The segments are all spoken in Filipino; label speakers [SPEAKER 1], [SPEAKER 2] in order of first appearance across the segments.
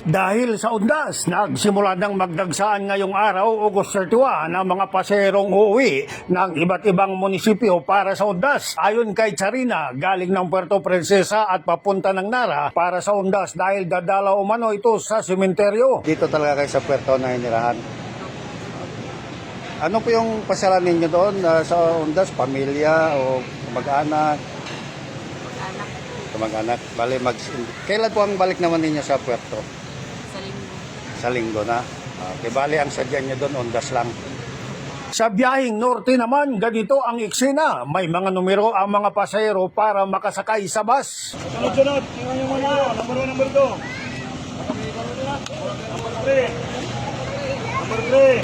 [SPEAKER 1] Dahil sa undas, nagsimula ng magdagsaan ngayong araw, August 31, ang mga paserong uuwi ng iba't ibang munisipyo para sa undas. Ayon kay Charina, galing ng Puerto Princesa at papunta ng Nara para sa undas dahil dadalaw umano ito sa sementeryo.
[SPEAKER 2] Dito talaga kayo sa Puerto na inirahan. Ano po yung pasyalan ninyo doon sa undas? Pamilya o mag-anak? Mag-anak. Kailan po ang balik naman ninyo sa Puerto? Sa linggo na. Okay, bali ang sadya nyo doon, undas lang.
[SPEAKER 1] Sa biyaheng norte naman, ganito ang eksena. May mga numero ang mga pasahero para makasakay sa bus.
[SPEAKER 3] Sunod-sunod, tingnan nyo muna yun. Number 2. Number 3. Number 3.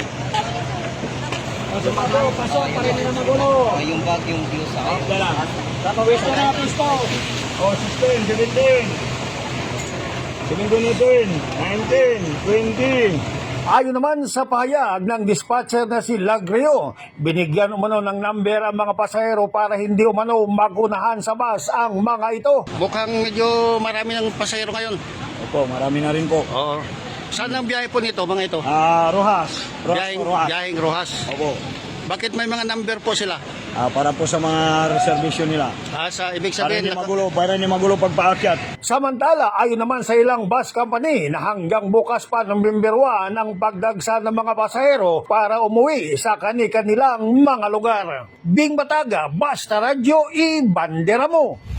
[SPEAKER 3] Pasok, pa rin nila magulo.
[SPEAKER 4] Yung bag, yung views ako.
[SPEAKER 3] Wala lang. Tapawis na na, pisto. 16, 17. 17, 19, 20.
[SPEAKER 1] Ayon naman sa pahayag ng dispatcher na si Lagrio, binigyan umano ng number ang mga pasahero para hindi umano magunahan sa bus ang mga ito.
[SPEAKER 2] Mukhang medyo marami ng pasahero ngayon.
[SPEAKER 3] Opo, marami na rin po.
[SPEAKER 2] Oo. Saan ang biyahe po nito, mga ito?
[SPEAKER 3] Rojas.
[SPEAKER 2] Biyaheng Rojas.
[SPEAKER 3] Opo.
[SPEAKER 2] Bakit may mga number po sila?
[SPEAKER 3] Para po sa mga reservation nila.
[SPEAKER 2] Ibig
[SPEAKER 3] Para
[SPEAKER 2] sabihin,
[SPEAKER 3] hindi magulo pagpaakyat.
[SPEAKER 1] Samantala, ayon naman sa ilang bus company na hanggang bukas pa November 1 ang pagdagsa ng mga pasahero para umuwi sa kani-kanilang mga lugar. Bing Bataga, Basta Radyo, i-bandera mo!